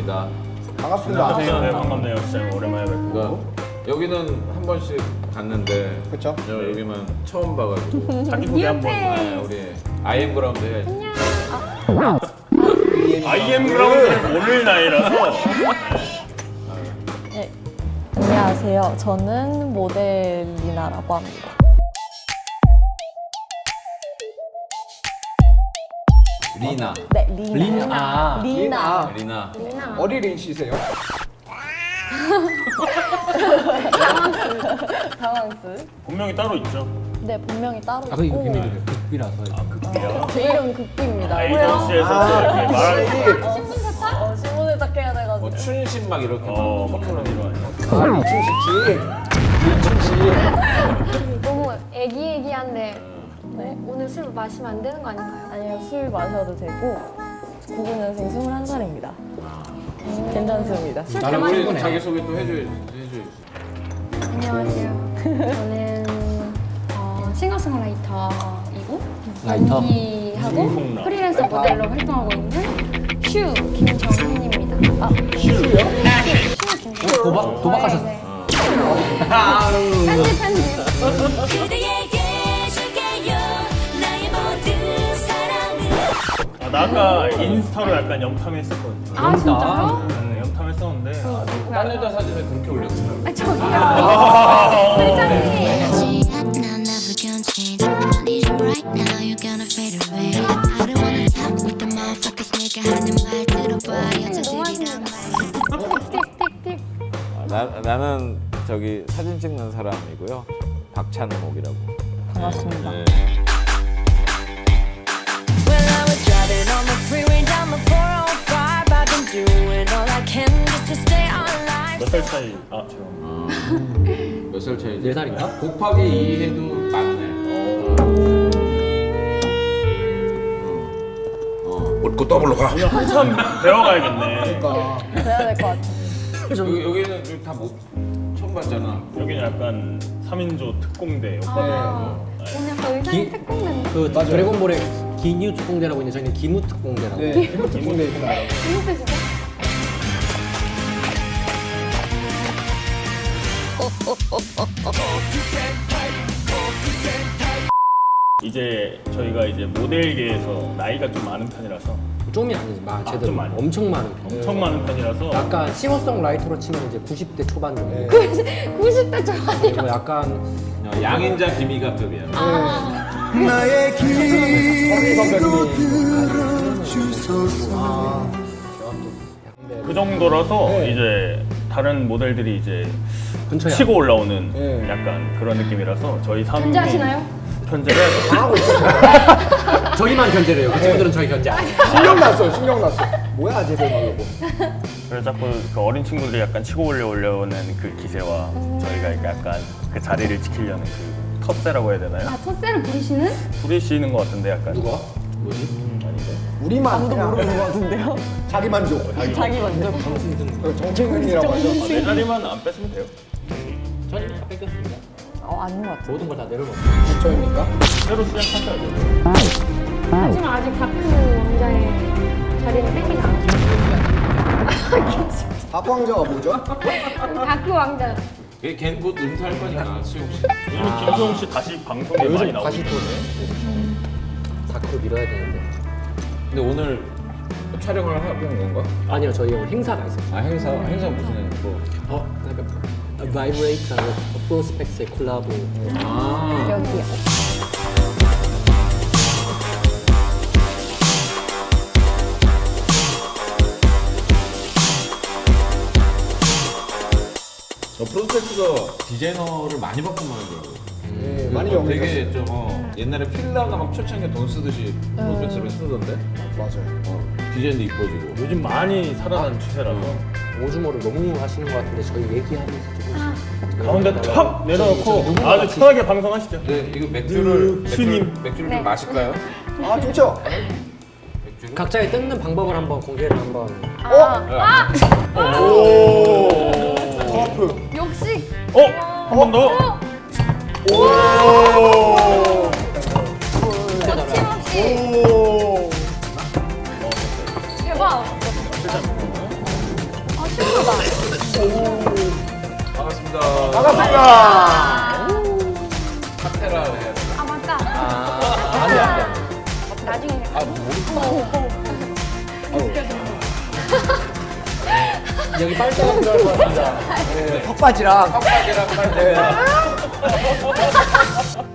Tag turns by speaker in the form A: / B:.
A: 반갑습니다.
B: 반갑습니다.
C: 네, 반갑네요. 진짜 오랜만에 뵙고.
A: 그러니까 여기는 한 번씩 갔는데
B: 그렇죠?
A: 여기만 처음 봐가지고
C: 자기소개 한번.
A: 우리 IM 그라운드 해야지.
C: IM 그라운드는 오늘 나이라서.
D: 네. 안녕하세요. 저는 모델 리나라고 합니다.
A: 리나.
D: 네, 리나. 리나.
A: 리나.
B: 어디 린 씨세요?
D: 당황스.
C: 본명이 따로 있죠.
D: 네, 본명이 따로
E: 아, 그 이거
D: 있고
E: 비밀이에요. 극비라서.
C: 극비야.
D: 제 이름 극비입니다.
C: 에이전시에서 이렇게 말하는
D: 신분세탁 해야 돼가지고.
A: 춘신 막 이렇게
C: 선물하는 이런.
B: 아, 이춘식 씨.
F: 너무 애기애기한데
D: 네.
F: 오늘 술 마시면 안 되는 거 아닌가요?
D: 아니요, 술 마셔도 되고 99년생 21살입니다. 괜찮습니다.
F: 술
A: 나는
F: 대만이
A: 우리 자기 소개 또 해줘야지.
F: 안녕하세요. 저는 싱어송라이터이고
E: 라이터?
F: 연기하고
C: 싱어송라.
F: 프리랜서 모델로 활동하고 있는 슈 김정민입니다.
B: 슈요?
E: 도박하셨어요?
F: 네. 편집.
G: 그대에게 줄게요 나의 모든 사랑을
C: 나 아까 인스타로 약간 염탐했었거든요.
F: 아 진짜요?
C: 네, 염탐했었는데.
A: 딴 여자 사진을 그렇게 올렸더라고.
F: 아 저기요. 회장님.
G: 난 나도 견치 I need you right now you're gonna fade away I don't wanna talk with the motherfuckers 내가 하는 말 들어봐 여자들이란 말
F: 틱틱틱.
A: 나는 저기 사진 찍는 사람이고요. 박찬목이라고.
D: 반갑습니다.
A: 네.
G: Well I was driving on the freeway down the 405 I've been doing all I can just to stay alive
C: 몇 살 차이? 아, 죄송합니다.
A: 몇 살 차이지?
E: 4살인가?
A: 곱하기 2 해도 맞네.
H: 웃고 더블로 가.
C: 오늘 한참 배워가야겠네.
B: 그러니까
D: 그래야 될 것 같아요.
A: 여기는 다 못 처음 봤잖아.
C: 여기는 약간 3인조 특공대 오빠들.
F: 오늘 약간 의상이 특공대인데.
E: 그 드래곤볼의 기뉴 특공대라고 있는데 저희는 기무 특공대라고.
B: 네, 이모 특공대입니다.
F: 무슨 뜻이죠?
C: 이제 저희가 이제 모델계에서 나이가 좀 많은 편이라서
E: 좀이 아니지, 제대로
C: 좀 많이.
E: 엄청 많은 편.
C: 엄청 많은 편이라서
E: 약간 싱어송라이터로 치면 이제 90대 초반 정도.
B: 네.
F: 90대 초반이요.
E: 그리고 약간
A: 양인자 김희갑급이야.
B: 서리 선배님.
C: 그 정도라서
B: 네.
C: 이제 다른 모델들이 이제
E: 근처에
C: 치고 올라오는
B: 네.
C: 약간 그런 느낌이라서 저희 3인
F: 견제하시나요?
C: 견제를 해야 돼요.
B: 하고 있었어요.
E: 저희만 견제를 해요. 그 친구들은 저희 견제 안 해요.
B: 신경 났어요. 신경 났어. 뭐야, 쟤들 말고.
C: 그래서 자꾸 그 어린 친구들이 약간 치고 올려오려는 그 기세와 저희가 약간 그 자리를 지키려는 그 텃세라고 해야 되나요?
F: 아 텃세를 부리시는?
C: 부리시는 것 같은데 약간
E: 누가?
C: 아닌데.
B: 우리만
D: 아무도
B: 그냥
D: 모르는 것 같은데요?
B: 자기 만족.
D: 자기 만족.
B: 그 정체근이라고 하죠.
C: 내 자리만 안 뺐으면 돼요.
E: 저희 다 뺏겼습니다.
D: 아닌 것 같아요.
E: 모든 걸 다 내려놓고.
B: 저입니까?
C: 새로 시작하셔야죠.
F: 하지만 아직 다크 왕자의 자리는 뺏기지 않았어요.
B: 다크 왕자가 뭐죠?
F: 다크 왕자.
A: 걔는 곧 은퇴할 거니까 수용 씨.
C: 요즘 김수홍 씨 다시 방송에 많이
B: 요즘
C: 나오고
B: 다시 또네.
E: 다크로 밀어야 되는데.
A: 근데 오늘 촬영을 하고 온 건가?
E: 아니요, 저희 오늘 행사가 있어요.
A: 아 행사 무슨 뭐?
E: 바이브레이터하고 프로스펙스의 콜라보.
A: 아
D: 여기요.
A: 저 프로스펙스가 디자이너를 많이 바꾼 모양이더라고.
B: 네, 많이
A: 되게
B: 연결했어요.
A: 좀 옛날에 필라가 막 초창기에 돈 쓰듯이 프로스펙스를 쓰던데.
B: 맞아요.
A: 디자인도 이뻐지고.
C: 요즘 많이 살아난 추세라서
E: 오주모를 너무 하시는 것 같은데 저희 얘기하면서 조금씩
C: 가운데 탁 내려놓고 아주 편하게 방송하시죠.
A: 네 이거 맥주를
C: 슈님.
A: 맥주를
F: 네.
A: 좀 마실까요?
B: 아, 좋죠?
A: 맥주를?
E: 각자의 뜯는 방법을 한번 공개를 한번.
B: 오! 터프.
F: 역시.
C: 한 번 더.
B: 오!
F: 거침없이.
B: 오!
F: 대박.
B: 반갑습니다.
A: 카테라 해야 돼.
F: 아 맞다.
E: 안돼 안돼.
F: 나중에.
E: 여기 빨대가 필요할 것 같습니다.
B: 턱받이랑.
A: 턱받이랑 빨대.